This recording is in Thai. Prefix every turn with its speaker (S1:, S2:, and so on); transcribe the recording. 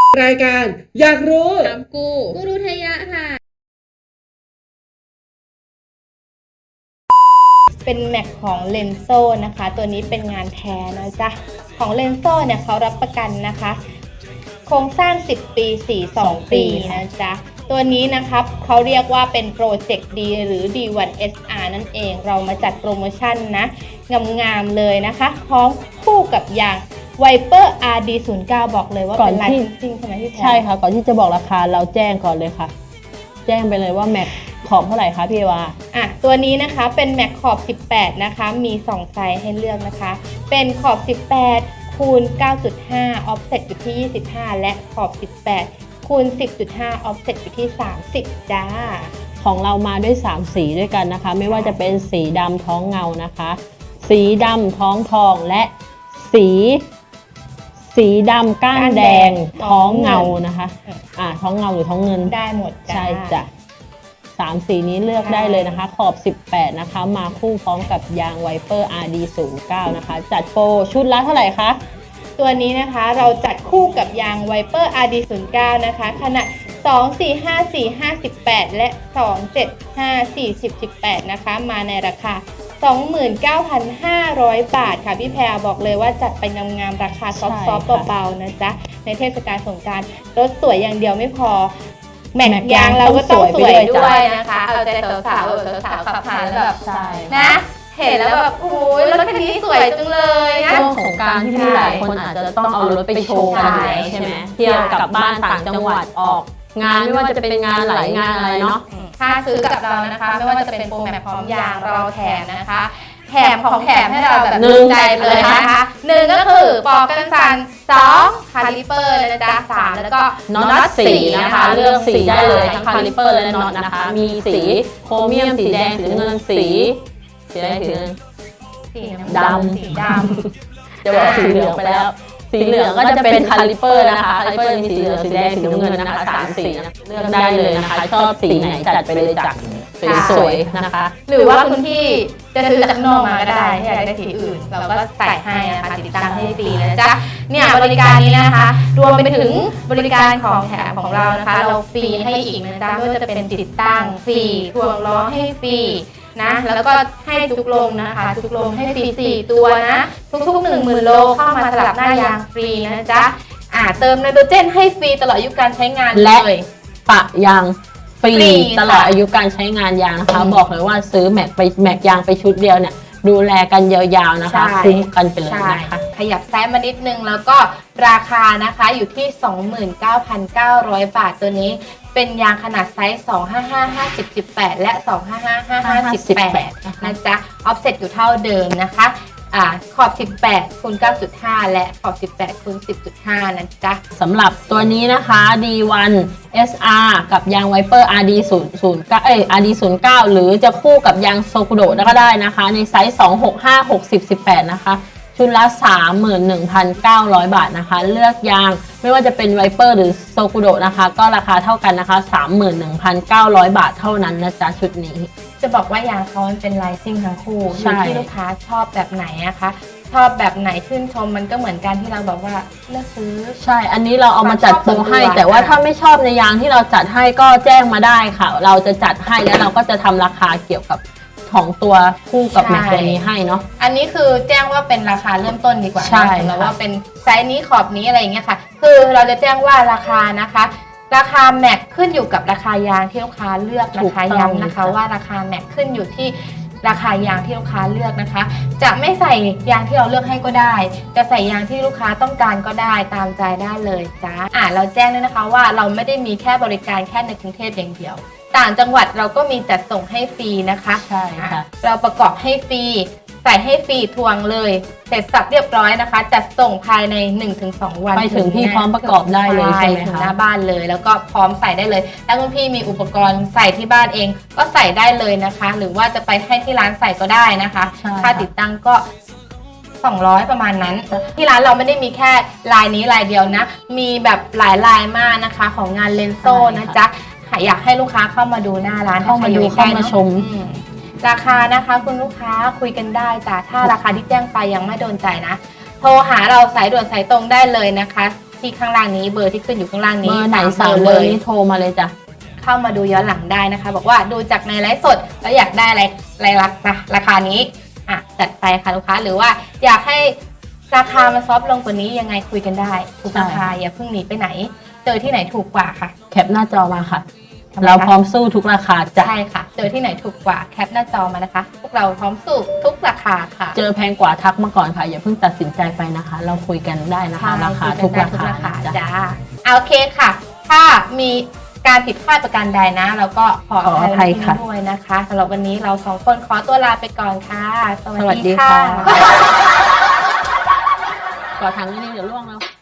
S1: รายการอยากรู้
S2: ถามกูรุทยะค่ะ
S3: เป็นแม็กของเลนโซนะคะตัวนี้เป็นงานแท้นะจ๊ะของเลนโซเนี่ยเขารับประกันนะคะโครงสร้าง10ปี42ปีนะจ๊ะตัวนี้นะครับเขาเรียกว่าเป็นโปรเจกต์ดีหรือ D1SR นั่นเองเรามาจัดโปรโมชั่นนะงามๆเลยนะคะพร้อมคู่กับยาง Viper RD09 บอกเลยว่าเป็นลายจริงใช่ไหมพี่แพรใช่ค่ะก่อนที่จะบอกราคาเราแจ้งก่อนเลยค่ะแจ้งไปเลยว่าแม็กขอบเท่าไหร่คะพี่วาตัวนี้นะคะเป็นแม็กขอบ18นะคะมี2ไซส์ให้เลือกนะคะเป็นขอบ18คูณ 9.5 offset อยู่ที่25และขอบ18คูณ 10.5 offset อยู่ที่30จ้าของเรามาด้วย3สีด้วยกันนะคะไม่ว่าจะเป็นสีดำท้องเงานะคะสีดำท้องทองและสีดำก้านแดงท้องเงานะคะท้องเงาหรือท้องเงินได้หมดใช่จ้ะ3สีนี้เลือกได้เลยนะคะขอบ18นะคะมาคู่พร้อมกับยาง Viper RD09 นะคะจัดโปรชุดละเท่าไหร่คะตัวนี้นะคะเราจัดคู่กับยาง Viper RD09 นะคะขนาด2454518และ2754018นะคะมาในราคา29,500 บาทค่ะพี่แพรบอกเลยว่าจัดไปงามๆราคาซอฟต์ๆเบาๆนะจ๊ะในเทศกาลสงกรานต์รถสวยอย่างเดียวไม่พอแม็กยางเราก็ต้องสวยด้วยนะคะเอาใจสาวๆขับผ่านแล้วแบบนะเห็นแล้วแบบโอ้ยรถคันนี้สวยจังเลยนะ
S2: ช่วงของการที่หลายคนอาจจะต้องเอารถไปโชว์กันใช่ไหมเที่ยวกลับบ้านต่างจังหวัดออกงานไม่ว่าจะเป็นงานหลายงานอะไรเนาะ
S3: ถ้าซื้อกับเรานะคะไม่ว่าจะเป็นโปรแม็กพร้อมยางเราแถมนะคะแถมของแถมให้เราแบบนึงใจเลยนะคะ1ก็คือปอกกันสั่น2คาลิเปอร์นะจ๊ะ3แล้วก็
S2: น็อตสีนะคะเลือกสีได้เลยทั้งคาลิเปอร์และน็อตนะคะมีสีโครเมียมสีแดงสีเงินสีอะไรสีดำจะบอกสีเหลืองไปแล้วสีเหลืองก็จะเป็นคาลิเปอร์นะคะคาลิเปอร์มีสีเหลืองสีแดงสีน้ำเงินนะคะ3สีเลือกได้เลยนะคะชอบสีไหนจัดไปเลยจัดสวยๆนะคะ
S3: หรือว่าคุณพี่จะซื้อจากนอกมาก็ได้ถ้าอยากได้สีอื่นเราก็ใส่ให้นะคะติดตั้งให้ฟรีนะจ๊ะเนี่ยบริการนี้นะคะรวมไปถึงบริการของแถมของเรานะคะเราฟรีให้อีกนะจ๊ะไม่ว่าจะเป็นติดตั้งฟรีถ่วงล้อให้ฟรีนะแล้วก็ให้จุกลมนะคะจุกลมให้ฟรี4ตัวนะทุกๆ 10,000 โลเข้ามาสลับหน้ายางฟรีนะจ๊ะเติมไนโตรเจนให้ฟรีตลอดอายุการใช้งานเลย
S2: ปะยางฟรีตลอดอายุการใช้งานยางนะคะบอกเลยว่าซื้อแม็กยางไปชุดเดียวเนี่ยดูแลกันยาวๆนะคะคุ้มกันไปเลยนะคะขยับแซมมานิดนึงแล้วก็ราคานะคะอยู่ที่ 29,900 บาทตัวนี้เป็นยางขนาดไซส์255/50/18และ255/50/18นะจ๊ะออฟเซ็ตอยู่เท่าเดิมนะคะขอบ18คูณ 9.5 และขอบ18คูณ 10.5 นะจ๊ะสำหรับตัวนี้นะคะ D1SR กับยาง Viper RD09 หรือจะคู่กับยางโซกุโดะก็ได้นะคะในไซส์265/60/18นะคะชุดละ 31,900 บาทนะคะเลือกยางไม่ว่าจะเป็น Viper หรือโซกุโดะนะคะก็ราคาเท่ากันนะคะ 31,900 บาทเท่านั้นนะจ๊ะชุดนี้
S3: จะบอกว่ายางเขาเป็นลายซิ่งทั้งคู่อยู่ที่ลูกค้าชอบแบบไหนนะคะชอบแบบไหนชื่นชมมันก็เหมือนกันที่เราบอกว่าเลือกซื้อ
S2: ใช่อันนี้เราเอามาจัดโปรให้แต่ว่าถ้าไม่ชอบในยางที่เราจัดให้ก็แจ้งมาได้ค่ะเราจะจัดให้แล้วเราก็จะทำราคาเกี่ยวกับของตัวคู่กับแม็กตัวนี้ให้เนาะ
S3: อันนี้คือแจ้งว่าเป็นราคาเริ่มต้นดีกว่าใช่แล้วว่าเป็นไซส์นี้ขอบนี้อะไรอย่างเงี้ยค่ะคือเราจะแจ้งว่าราคานะคะราคาแม็กขึ้นอยู่กับราคายางที่ลูกค้าเลือกนะคะย้ำนะคะว่าราคาแม็กขึ้นอยู่ที่ราคายางที่ลูกค้าเลือกนะคะจะไม่ใส่ยางที่เราเลือกให้ก็ได้จะใส่ยางที่ลูกค้าต้องการก็ได้ตามใจได้เลยจ้าเราแจ้งด้วยนะคะว่าเราไม่ได้มีแค่บริการแค่ในกรุงเทพอย่างเดียวต่างจังหวัดเราก็มีจัดส่งให้ฟรีนะคะ
S2: ใช่ค่ะ
S3: เราประกอบให้ฟรีใส่ให้ฟรีทวงเลยเสร็จสับเรียบร้อยนะคะจัดส่งภายใน 1-2 วัน
S2: ไปถึงพี่พร้อมประกอบได้เลยใช่ไหมคะ
S3: ถึงหน้าบ้านเลยแล้วก็พร้อมใส่ได้เลยถ้าคุณพี่มีอุปกรณ์ใส่ที่บ้านเองก็ใส่ได้เลยนะคะหรือว่าจะไปให้ที่ร้านใส่ก็ได้นะคะค่าติดตั้งก็200ประมาณนั้นที่ร้านเราไม่ได้มีแค่ลายนี้ลายเดียวนะมีแบบหลายลายมากนะคะของงานเลนโซนะจ๊ะอยากให้ลูกค้าเข้ามาดูหน้าร้าน
S2: เข้ามาดูเข้ามาชม
S3: ราคานะคะคุณลูกค้าคุยกันได้จ้ะถ้าราคาที่แจ้งไปยังไม่โดนใจนะโทรหาเราสายด่วนสายตรงได้เลยนะคะที่ข้างล่างนี้เบอร์ที่ขึ้นอยู่ข้างล่าง
S2: เบ
S3: นี้
S2: อร์ไหนสั่งเบอร์นี้โทรมาเลยจ้ะ
S3: เข้ามาดูย้อนหลังได้นะคะ บอกว่าดูจากในไลฟ์สดแล้วอยากได้อะไรราคานี้จัดไปค่ะลูกค้าหรือว่าอยากให้ราคามันซอฟต์ลงกว่านี้ยังไงคุยกันได้ทุกราคาอย่าเพิ่งหนีไปไหนเจอที่ไหนถูกกว่าค่ะ
S2: แคปหน้าจอมาค่ะ เราพร้อมสู้ทุกราคาจ้ะ
S3: ใช่ค่ะเจอที่ไหนถูกกว่าแคปหน้าจอมานะคะพวกเราพร้อมสู้ทุกราคาค่ะ
S2: เจอแพงกว่าทักมาก่อนค่ะอย่าเพิ่งตัดสินใจไปนะคะ เราคุยกันได้นะคะ ราคาทุกราคาจ้ะ
S3: จ้าโอเคค่ะ ถ้ามีการผิดพลาดประการใดนะเราก็ขออภัยด้วยนะคะสำหรับวันนี้เรา2คนขอตัวลาไปก่อนค่ะสวัสดีค่ะ
S2: ก่อทางนี้เดี๋ยวล่วงแล้ว